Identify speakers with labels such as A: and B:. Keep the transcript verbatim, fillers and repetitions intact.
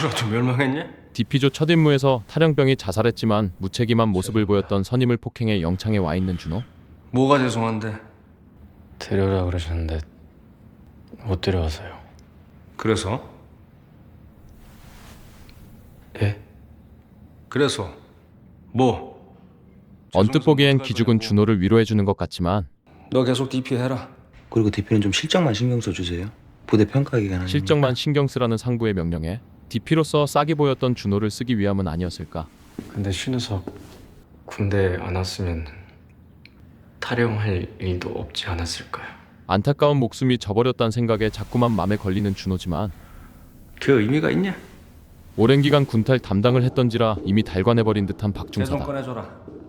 A: 누구라도 멸망했냐?
B: 디피조 첫 임무에서 탈영병이 자살했지만 무책임한 모습을 보였던 선임을 폭행해 영창에 와 있는 준호.
A: 뭐가 죄송한데?
C: 데려오라 그러셨는데 못 데려와서요.
A: 그래서?
C: 예?
A: 그래서 뭐?
B: 언뜻 보기엔 기죽은 준호를 위로해주는 것 같지만
A: 너 계속 디피 해라.
D: 그리고 디피는 좀 실적만 신경 써주세요. 부대 평가 기간 아니니까.
B: 실적만 신경 쓰라는 상부의 명령에 디피로서 싹이 보였던 준호를 쓰기 위함은 아니었을까.
C: 근데 신우석 군대 안 왔으면 탈영할 일도 없지 않았을까요?
B: 안타까운 목숨이 져버렸다는 생각에 자꾸만 맘에 걸리는 준호지만
A: 그 의미가 있냐?
B: 오랜 기간 군탈 담당을 했던지라 이미 달관해버린 듯한
A: 재송
B: 박중사다.
A: 꺼내줘라.